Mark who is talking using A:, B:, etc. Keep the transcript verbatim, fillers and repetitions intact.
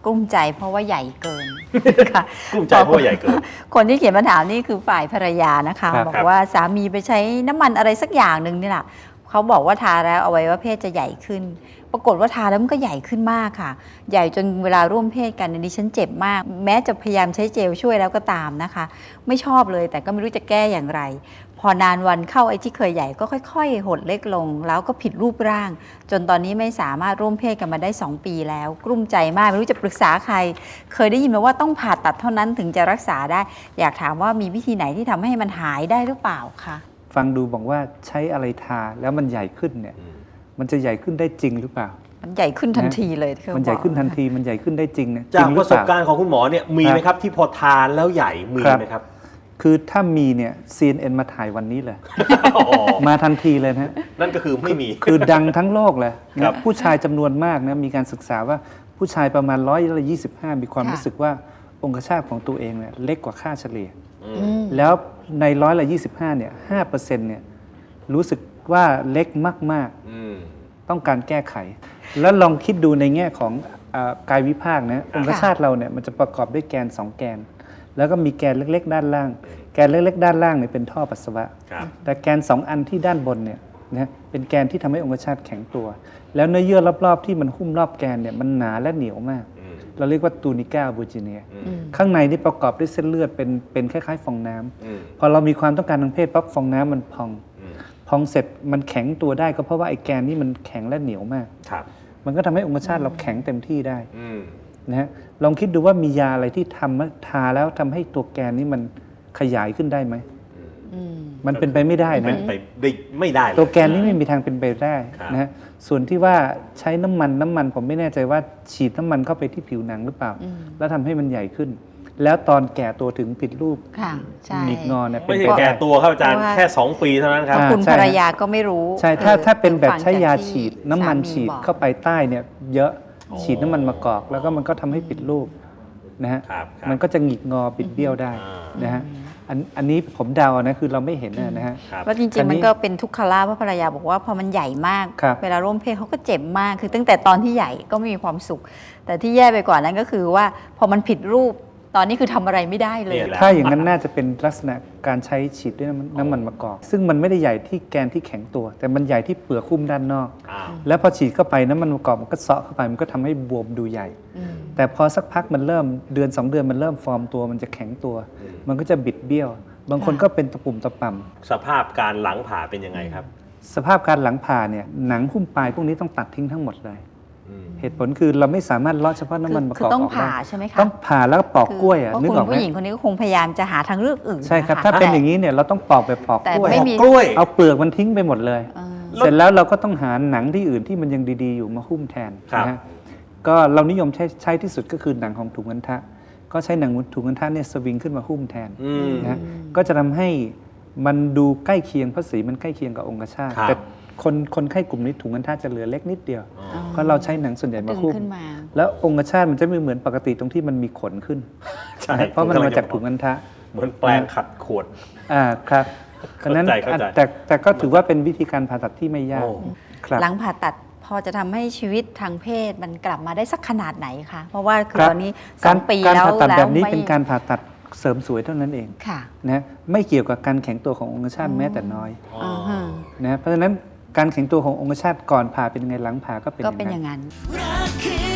A: กลุ้มใจเพราะว่าใหญ่เกินค่ะ
B: กลุ้มใจเพราะว่าใหญ่เกิน
A: คนที่เขียนมาถามนี่คือฝ่ายภรรยานะคะบอกว่าสามีไปใช้น้ำมันอะไรสักอย่างหนึ่งนี่แหละเขาบอกว่าทาแล้วอวัยวะเพศจะใหญ่ขึ้นปรากฏว่าทาแล้วมันก็ใหญ่ขึ้นมากค่ะใหญ่จนเวลาร่วมเพศกันดิฉันเจ็บมากแม้จะพยายามใช้เจลช่วยแล้วก็ตามนะคะไม่ชอบเลยแต่ก็ไม่รู้จะแก้อย่างไรพอนานวันเข้าไอ้ที่เคยใหญ่ก็ค่อยๆหดเล็กลงแล้วก็ผิดรูปร่างจนตอนนี้ไม่สามารถร่วมเพศกันมาได้สองปีแล้วกลุ้มใจมากไม่รู้จะปรึกษาใครเคยได้ยินมาว่าต้องผ่าตัดเท่านั้นถึงจะรักษาได้อยากถามว่ามีวิธีไหนที่ทำให้มันหายได้หรือเปล่าคะ
C: ฟังดูบอกว่าใช้อะไรทาแล้วมันใหญ่ขึ้นเนี่ยมันจะใหญ่ขึ้นได้จริงหรือเปล่า
A: มันใหญ่ขึ้นทันทีเลย
C: มันใหญ่ขึ้นทันทีมันใหญ่ขึ้นได้จริงเนี่ย
B: จากประสบการณ์ของคุณหมอเนี่ยมีไหมครับที่พอทานแล้วใหญ่มีไหมครับ
C: คือถ้ามีเนี่ย ซี เอ็น เอ็น มาถ่ายวันนี้เลยมาทันทีเลยนะ
B: นั่นก็คือไม่มี
C: คือดังทั้งโลกเลยผู้ชายจำนวนมากนะมีการศึกษาว่าผู้ชายประมาณร้อยละยี่สิบห้ามีความรู้สึกว่าองคชาตของตัวเองเนี่ยเล็กกว่าค่าเฉลี่ยแล้วในร้อยละยี่สิบห้าเนี่ยห้าเปอร์เซ็นต์เนี่ยรู้สึกว่าเล็กมากๆต้องการแก้ไขแล้วลองคิดดูในแง่ของกายวิภาคนะองคชาตเราเนี่ยมันจะประกอบด้วยแกนสองแกนแล้วก็มีแกนเล็กๆด้านล่างแกนเล็กๆด้านล่างเนี่ยเป็นท่อปัสสาวะแต่แกนสองอันที่ด้านบนเนี่ยนะเป็นแกนที่ทำให้องคชาตแข็งตัวแล้วเนื้อเยื่อรอบๆที่มันหุ้มรอบแกนเนี่ยมันหนาและเหนียวมากเราเรียกว่าตูนิก้าบูจิเนียข้างในนี่ประกอบด้วยเส้นเลือดเป็นเป็นคล้ายๆฟองน้ำพอเรามีความต้องการทางเพศปั๊บฟองน้ำมันพองพองเสร็จมันแข็งตัวได้ก็เพราะว่าไอ้แกนนี่มันแข็งและเหนียวมากมันก็ทำให้องคชาตเราแข็งเต็มที่ได้นะฮะลองคิดดูว่ามียาอะไรที่ทำทาแล้วทำให้ตัวแกนนี้มันขยายขึ้นได้ไหมมันเป็นไปไม่ได้นะ
B: เป็นไปไม่ได้
C: ตัวแกนนี้ไม่มีทางเป็นไปได้นะฮะส่วนที่ว่าใช้น้ำมันน้ำมันผมไม่แน่ใจว่าฉีดน้ำมันเข้าไปที่ผิวหนังหรือเปล่าแล้วทำให้มันใหญ่ขึ้นแล้วตอนแก่ตัวถึงผิดรูปหงิกงอเนี่ย
B: ไม่ใช่แก่ตัวครับอาจารย์แค่สองปีเท่านั้นครับ
A: คุณภรรยาก็ไม่รู้
C: ใช่ถ้าถ้าเป็นแบบใช้ยาฉีดน้ำมันฉีดเข้าไปใต้เนี่ยเยอะฉีดน้ำมันมะกอกแล้วก็มันก็ทำให้ผิดรูปนะฮะมันก็จะหงิกงอปิดเบี้ยวได้นะฮะอันอันนี้ผมเดานะคือเราไม่เห็นนะฮะ
A: แล้วจริงๆมันก็เป็นทุกขลาภเพราะภรรยาบอกว่าพอมันใหญ่มากเวลาร่วมเพศเขาก็เจ็บมากคือตั้งแต่ตอนที่ใหญ่ก็ไม่มีความสุขแต่ที่แย่ไปกว่านั้นก็คือว่าพอมันผิดรูปตอนนี้คือทำอะไรไม่ได้เลย
C: ถ้าอย่างนั้นน่าจะเป็นลักษณะการใช้ฉีดด้วยน้ำมันมะกอกซึ่งมันไม่ได้ใหญ่ที่แกนที่แข็งตัวแต่มันใหญ่ที่เปลือกหุ้มด้านนอกแล้วพอฉีดเข้าไปน้ำมันมะกอกมันก็เซาะเข้าไปมันก็ทำให้บวมดูใหญ่แต่พอสักพักมันเริ่มเดือนสองเดือนมันเริ่มฟอร์มตัวมันจะแข็งตัวมันก็จะบิดเบี้ยวบางคนก็เป็นตะปุ่มตะป่ำ
B: สภาพการหลังผ่าเป็นยังไงครับ
C: สภาพการหลังผ่าเนี่ยหนังหุ้มปลายพวกนี้ต้องตัดทิ้งทั้งหมดเลยเหตุผลคือเราไม่สามารถเลาะเฉพาะน้ำมันมะกอกออกได้
A: ต้องผ่าใช่ไหมคะ
C: ต้องผ่าแล้วก็ปอกกล้วยอ่ะนึกออกไหม
A: ผู้หญิงคนนี้ก็คงพยายามจะหาทางเลือกอื่น
C: ใช่ครับถ้าเป็นอย่างนี้เนี่ยเราต้องปอกแบบปอกกล้วย
B: กล้วย
C: เอาเปลือกมันทิ้งไปหมดเลยเสร็จแล้วเราก็ต้องหาหนังที่อื่นที่มันยังดีๆอยู่มาหุ้มแทนนะฮะก็เรานิยมใช้ใช้ที่สุดก็คือหนังของถุงอัณฑะก็ใช้หนังถุงอัณฑะเนี่ยสวิงขึ้นมาหุ้มแทนนะก็จะทำให้มันดูใกล้เคียงเพราะสีมันใกล้เคียงกับองคชาตแต่คนคนไข้กลุ่มนี้ถุงอัณฑะจะเหลือเล็กนิดเดียวเพราะเราใช้หนังส่วนใหญ่มาหุ้มแล้วองคชาตมันจะไม่เหมือนปกติตรงที่มันมีขนขึ้นเพราะมันมาจากถุงอัณฑะ
B: เหมือนแปลงขัดขวด
C: อ่าครับฉะนั้นแต่แต่ก็ถือว่าเป็นวิธีการผ่าตัดที่ไม่ยาก
A: หลังผ่าตัดพอจะทำให้ชีวิตทางเพศมันกลับมาได้สักขนาดไหนคะเพราะว่าคือตอนนี้สองปีแล้ว
C: การผ่าตัดแบบนี้เป็นการผ่าตัดเสริมสวยเท่านั้นเองนะไม่เกี่ยวกับการแข็งตัวขององคชาตแม้แต่น้อยนะเพราะฉะนั้นการแข็งตัวขององคชาตก่อนผ่าเป็นยังไงหลังผ่าก็เป็น
A: อย่างนั้น